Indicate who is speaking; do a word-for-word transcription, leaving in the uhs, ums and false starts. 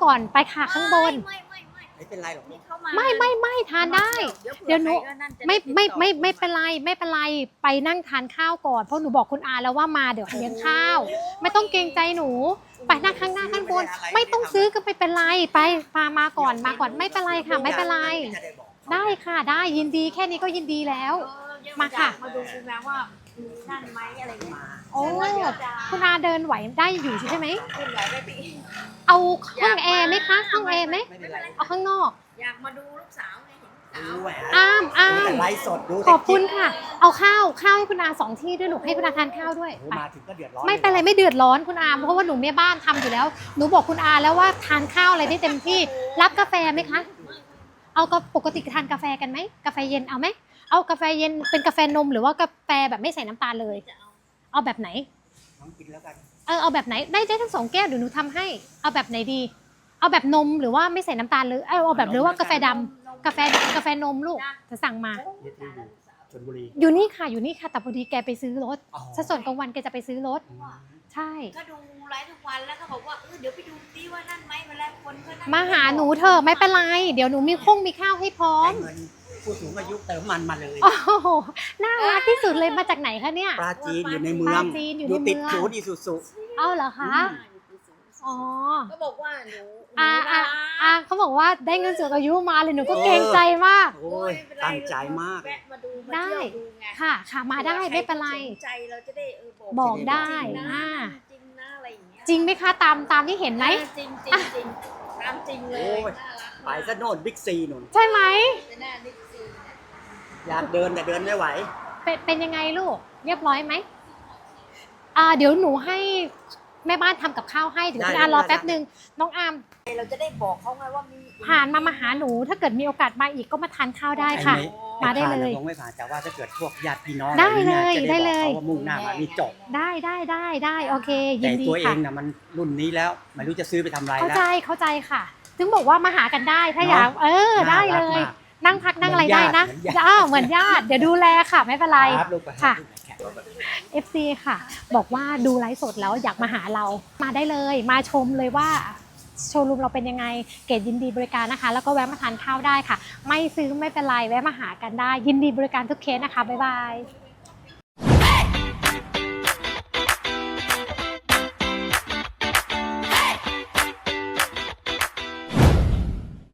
Speaker 1: ก่อนไปค่ะข้างบน
Speaker 2: ไม่ไม่ไม่
Speaker 3: ไม่เป็นไรหรอก
Speaker 2: นี่เข้ามา
Speaker 1: ไม่ไม่ไม่ทานได้เดี๋ยวหนูไม่ไม่ไม่ไม่เป็นไรไม่เป็นไรไปนั่งทานข้าวก่อนเพราะหนูบอกคุณอาแล้วว่ามาเดี๋ยวเลี้ยงข้าวไม่ต้องเกรงใจหนูไปนั่งข้างหน้าข้างบนไม่ต้องซื้อก็ไม่เป็นไรไปพามาก่อนมาก่อนไม่เป็นไรค่ะไม่เป็นไรได้ค่ะได้ยินดีแค่นี้ก็ยินดีแล้วมาค่ะ
Speaker 2: มาดูคุณแม่ว่านั่นไหมอะไรเงี้ย
Speaker 1: โอ้คุณอาเดินไหวได้อยู่ใช่ไหม
Speaker 2: ขึ้นไหวได้ปี
Speaker 1: เอาห้องแอร์ไหมคะห้องแอร์ไหม
Speaker 3: ไม่เป็นไร
Speaker 1: เอาข้างนอก
Speaker 2: อยากมาดูลูกสาวไงเห็นลูกสาว
Speaker 3: ดูแหว
Speaker 1: อ้ามอ้า
Speaker 3: ดู
Speaker 1: ม
Speaker 3: แต่ไลฟ์สดดู
Speaker 1: ขอบคุณค่ะ เอาข้าวข้าวให้คุณอาสองที่ด้วยลูกให้คุณอาทานข้าวด้วย
Speaker 3: โอ้
Speaker 1: ไป
Speaker 3: มาถึงก็เดือดร้อน
Speaker 1: ไม่เป็นไรไม่เดือดร้อนคุณอาเพราะว่าหนูแม่บ้านทำอยู่แล้วหนูบอกคุณอาแล้วว่าทานข้าวอะไรได้เต็มที่รับกาแฟไหมคะเอาก็ปกติทานกาแฟกันไหมกาแฟเย็นเอาไหมเอากาแฟเย็นเป็นกาแฟนมหรือว่ากาแฟแบบไม่ใส่น้ำตาลเลย เอาแบบไหน
Speaker 3: น้องกินแล้วกัน
Speaker 1: เออเอาแบบไหนได้ได้ทั้งสองแก้วเดี๋ยวหนูทำให้เอาแบบไหนดี เอาแบบนมหรือว่าไม่ใส่น้ำตาลเลยเอาเอาแบบหรือว่ากาแฟดำกาแฟกาแฟนมลูกจะสั่งมา
Speaker 3: เยที่อยู่ชลบุรี
Speaker 1: อยู่นี่ค่ะอยู่นี่ค่ะแต่พอดีแกไปซื้อรถ
Speaker 3: อ๋อ
Speaker 1: ถ้าส่วนกลางวันแกจะไปซื้อรถ ใช่
Speaker 2: ก็ดูไลฟ์ทุกวันแล้วก็บอกว่าเออเดี๋ยวไปดูซิว่านั่นไหมเวลาคนก็นั่น
Speaker 1: มาหาหนูเถอะไม่เป็นไรเดี๋ยวหนูมีคงมีข้าวให้พร้อม
Speaker 3: ได้เงินผู้สูงอายุเติมมันมาเลย
Speaker 1: โอ้โหน่ารักที่สุดเลยมาจากไหนคะเนี่ย
Speaker 3: ปลาจีนอยู่ในเมื
Speaker 1: ป
Speaker 3: อ
Speaker 1: ลาง จีนอยู่ใน
Speaker 3: ติด
Speaker 1: เมือง
Speaker 3: ศูนย์อีสุสุ
Speaker 1: เอาเหรอคะ อ๋อ
Speaker 2: ก็บอกว่าหนู
Speaker 1: อาอาอาเขาบอกว่าได้เงินสูงอายุมาเลยหนูก็เกรงใจมาก
Speaker 3: โอ้ยตั้งใจมาก
Speaker 2: แวะมาดูมา
Speaker 1: ได้
Speaker 2: เที่ยวดูไง
Speaker 1: ค่ะค่ะมาได้ไม่เป็นไร
Speaker 2: สนใจเราจะได้เออบอก
Speaker 1: บอกได้
Speaker 2: จริงนะ
Speaker 1: อ่า
Speaker 2: จริงนะอะไรอย่างเงี้ย
Speaker 1: จริงไหมคะตามตามที่เห็นไหม
Speaker 2: จริงจริงจริงตามจริงเล
Speaker 3: โอ้
Speaker 2: ย
Speaker 3: ย
Speaker 2: น่ารัก
Speaker 3: ไปซะโน่นบิ๊กซีนุ่น
Speaker 1: ใช่ไหม
Speaker 2: เป็นหน้านิกซีเนี่ย
Speaker 3: อยากเดินแต่เดินไม่ไหว
Speaker 1: เป็นเป็นยังไงลูกเรียบร้อยไหมอ่าเดี๋ยวหนูให้แม่บ้านทำกับข้าวให้เดี๋ยวคุณอารอแป๊บนึงน้องอาม
Speaker 2: เราจะได้บอกเขาไงว่ามี
Speaker 1: ผ่านมามาหาหนูถ้าเกิดมีโอกาสมาอีกก็มาทานข้าวได้ค่ะ มาได้เลย
Speaker 3: คงไม่ผ่านแต่ว่าถ้าเกิดพวกญาติพี่น้อง
Speaker 1: ได้
Speaker 3: อะไรนี่
Speaker 1: เลย
Speaker 3: จะ
Speaker 1: ได้
Speaker 3: ได้
Speaker 1: เล
Speaker 3: บอก
Speaker 1: ย
Speaker 3: เขาว่ามุ่งหน้ามานี่จบ
Speaker 1: ได้ได้ได้ได้โอเค ยิ
Speaker 3: แต่
Speaker 1: นดี
Speaker 3: ตัวเอ
Speaker 1: ค่ะ
Speaker 3: งน่ะมันรุ่นนี้แล้วไม่รู้จะซื้อไปทำอะไร
Speaker 1: เข้า
Speaker 3: แล้ว
Speaker 1: ใจเข้าใจค่ะ ถึงบอกว่ามาหากันได้ถ้าอยาก
Speaker 3: เนอะ
Speaker 1: เออได้
Speaker 3: น่ารั
Speaker 1: เล
Speaker 3: ก
Speaker 1: ย
Speaker 3: มาก
Speaker 1: นั่งพักนั่งอะไร
Speaker 3: เหมื
Speaker 1: ได้
Speaker 3: อนญาติ
Speaker 1: นะ
Speaker 3: เหมือนญาติ
Speaker 1: อ้าวเหมือนญาติเดี๋ยวดูแลค่ะไม่เป็นไร
Speaker 3: ครับลูกไป
Speaker 1: ค่ะ
Speaker 3: ลูกไป
Speaker 1: เอฟ ซี ค่ะ บอกว่าดูไลฟ์สดแล้วอยากมาหาเรามาได้เลย มาชมเลยว่าโชว์รูมเราเป็นยังไงเกรดยินดีบริการนะคะ แล้วก็แวะมาทานข้าวได้ค่ะ ไม่ซื้อไม่เป็นไรแวะมาหากันได้ ยินดีบริการทุกเคสนะคะบ๊ายบาย